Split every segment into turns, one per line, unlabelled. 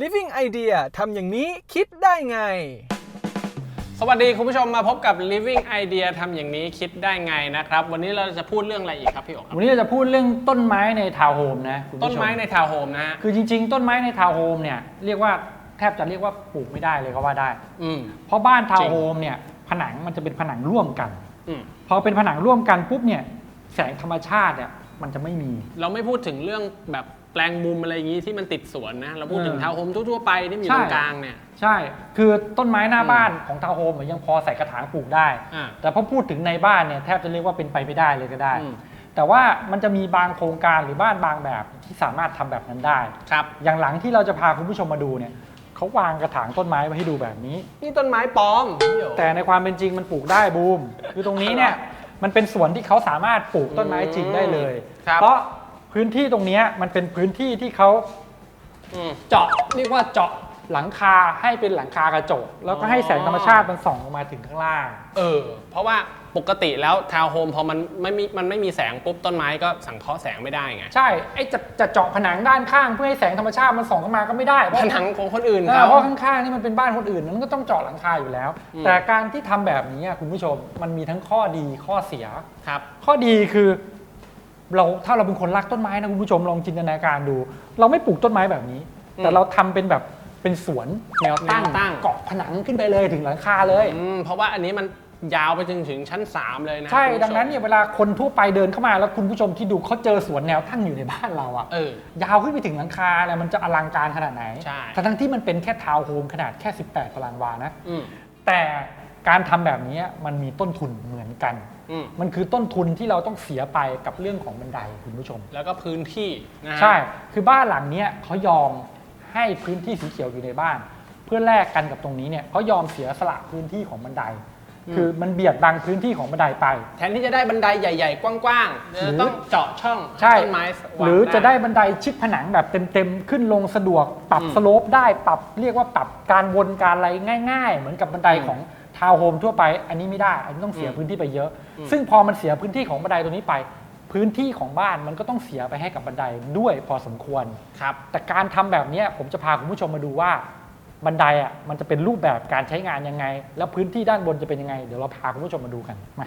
Living Idea ทำอย่างนี้คิดได้ไง
สวัสดีคุณผู้ชมมาพบกับ Living Idea ทำอย่างนี้คิดได้ไงนะครับวันนี้เราจะพูดเรื่องอะไรอีกครับพี่โอ๋ครับ
วันนี้เราจะพูดเรื่องต้นไม้ในทาวน์โฮมนะคุณผู้ชม
ต้นไม้ในทาวน์โฮมนะฮะ
คือจริงๆต้นไม้ในทาวน์โฮมเนี่ยเรียกว่าแทบจะเรียกว่าปลูกไม่ได้เลยก็ว่าได้เพราะบ้านทาวน์โฮมเนี่ยผนังมันจะเป็นผนังร่วมกันพอเป็นผนังร่วมกันปุ๊บเนี่ยแสงธรรมชาติเนี่ยมันจะไม่มี
เราไม่พูดถึงเรื่องแบบแปลงมุมอะไรอย่างนี้ที่มันติดสวนนะเราพูดถึงทาวน์โฮมทั่วๆไปที่มีตรงกลางเนี่ย
ใช่คือต้นไม้หน้าบ้านของทาวน์โฮมยังพอใส่กระถางปลูกได้แต่พอพูดถึงในบ้านเนี่ยแทบจะเรียกว่าเป็นไปไม่ได้เลยก็ได้แต่ว่ามันจะมีบางโครงการหรือบ้านบางแบบที่สามารถทำแบบนั้นได้
ครับ
อย่างหลังที่เราจะพาคุณผู้ชมมาดูเนี่ยเขาวางกระถางต้นไม้ไว้ให้ดูแบบนี้
นี่ต้นไม้ปลอม
แต่ในความเป็นจริงมันปลูกได้บูมคือตรงนี้เนี่ยมันเป็นสวนที่เขาสามารถปลูกต้นไม้จริงได้เลยเพราะพื้นที่ตรงนี้มันเป็นพื้นที่ที่เขาเจาะเรียกว่าเจาะหลังคาให้เป็นหลังคากระจกแล้วก็ให้แสงธรรมชาติมันส่องลงมาถึงข้างล่าง
เพราะว่าปกติแล้วทาวน์โฮมพอมันไม่มีแสงปุ๊บต้นไม้ก็สังเคราะห์แสงไม่ได้ไง
ใช่ไอ้จะเจาะผนังด้านข้างเพื่อให้แสงธรรมชาติมันส่องเข้ามาก็ไม่ได้
ผนังของคนอื่น
เพราะข้างๆนี่มันเป็นบ้านคนอื่นมันก็ต้องเจาะหลังคาอยู่แล้วแต่การที่ทำแบบนี้คุณผู้ชมมันมีทั้งข้อดีข้อเสีย
ครับ
ข้อดีคือถ้าเราเป็นคนรักต้นไม้นะคุณผู้ชมลองจินตนาการดูเราไม่ปลูกต้นไม้แบบนี้แต่เราทำเป็นแบบเป็นสวนแนวตั้งเกาะผนังขึ้นไปเลยถึงหลังคาเลย
เพราะว่าอันนี้มันยาวไปถึงชั้น3เลยนะ
ใช่ดังนั้นเนี่ยเวลาคนทั่วไปเดินเข้ามาแล้วคุณผู้ชมที่ดูเขาเจอสวนแนวตั้งอยู่ในบ้านเรายาวขึ้นไปถึงหลังคาแล้วมันจะอลังการขนาดไหนทั้งที่มันเป็นแค่ทาวน์โฮมขนาดแค่18 ตารางวานะแต่การทำแบบนี้มันมีต้นทุนเหมือนกันมันคือต้นทุนที่เราต้องเสียไปกับเรื่องของบันไดคุณผู้ชม
แล้วก็พื้นที่นะ
ใช่คือบ้านหลังนี้เขายอมให้พื้นที่สีเขียวอยู่ในบ้านเพื่อแลกกันกับตรงนี้เนี่ยเขายอมเสียสละพื้นที่ของบันไดคือมันเบียดบังพื้นที่ของบันไดไป
แทนที่จะได้บันไดใหญ่ๆกว้างๆต้องเจาะช่องต้นไม้
หรือจะได้บันไดชิดผนังแบบเต็มๆขึ้นลงสะดวกปรับสโลปได้ปรับเรียกว่าปรับการวนการอะไรง่ายๆเหมือนกับบันไดของทาวน์โฮมทั่วไปอันนี้ไม่ได้อันนี้ต้องเสียพื้นที่ไปเยอะซึ่งพอมันเสียพื้นที่ของบันไดตัวนี้ไปพื้นที่ของบ้านมันก็ต้องเสียไปให้กับบันไดด้วยพอสมควร
ครับ
แต่การทำแบบนี้ผมจะพาคุณผู้ชมมาดูว่าบันไดมันจะเป็นรูปแบบการใช้งานยังไงแล้วพื้นที่ด้านบนจะเป็นยังไงเดี๋ยวเราพาคุณผู้ชมมาดูกันมา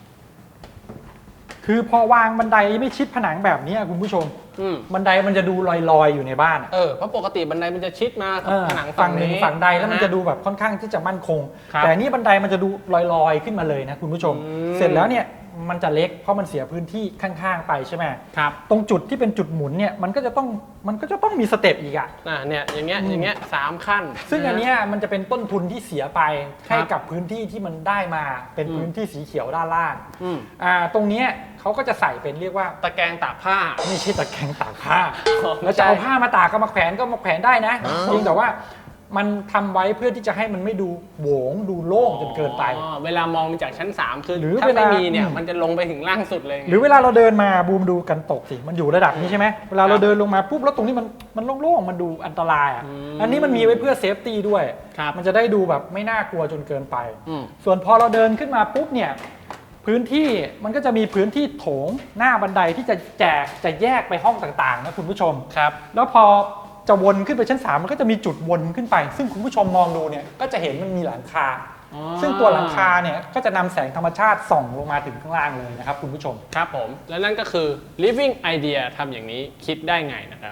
คือพอวางบันไดไม่ชิดผนังแบบนี้คุณผู้ชมบันไดมันจะดูลอยๆอยู่ในบ้าน
เพราะปกติบันไดมันจะชิดมาผนัง
ฝั่งหนึ่งฝั่งใดแล้วมันจะดูแบบค่อนข้างที่จะมั่นคงแต่นี่บันไดมันจะดูลอยๆขึ้นมาเลยนะคุณผู้ชมเสร็จแล้วเนี่ยมันจะเล็กเพราะมันเสียพื้นที่ข้างๆไปใช่ไหม
ครับ
ตรงจุดที่เป็นจุดหมุนเนี่ยมันก็จะต้องมีสเต็ปอีก
เนี่ยอย่างเงี้ย3 ขั้น
ซึ่งอันนี้มันจะเป็นต้นทุนที่เสียไปให้กับพื้นที่ที่มันได้มาเป็นพื้นที่สีเขียวด้านล่างตรงนี้เขาก็จะใส่เป็นเรียกว่า
ตะแกรงตากผ้า
ไม่ใช่ตะแกรงตากผ้าแล้วจะเอาผ้ามาตากก็มาแขวนได้นะจริงแต่ว่ามันทำไว้เพื่อที่จะให้มันไม่ดูโหวงดูโล่งจนเกินไป
เวลามองจากชั้น3คือถ้าไม่มีเนี่ยมันจะลงไปถึงล่างสุดเลย
หรือเวลาเราเดินมาบูมดูกันตกสิมันอยู่ระดับนี้ใช่ไหมเวลาเราเดินลงมาปุ๊บแล้วตรงนี้มันโล่งๆมันดูอันตรายอันนี้มันมีไว้เพื่อเซฟตี้ด้วยมันจะได้ดูแบบไม่น่ากลัวจนเกินไปส่วนพอเราเดินขึ้นมาปุ๊บเนี่ยพื้นที่มันก็จะมีพื้นที่โถงหน้าบันไดที่จะแยกไปห้องต่างๆนะคุณผู้ชม
ครับ
แล้วพอจะวนขึ้นไปชั้น3มันก็จะมีจุดวนขึ้นไปซึ่งคุณผู้ชมมองดูเนี่ยก็จะเห็นมันมีหลังคาซึ่งตัวหลังคาเนี่ยก็จะนำแสงธรรมชาติส่องลงมาถึงข้างล่างเลยนะครับคุณผู้ชม
ครับผมและนั่นก็คือ Living Idea ทำอย่างนี้คิดได้ไงนะครับ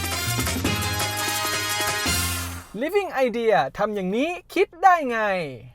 Living Idea ทำอย่างนี้คิดได้ไง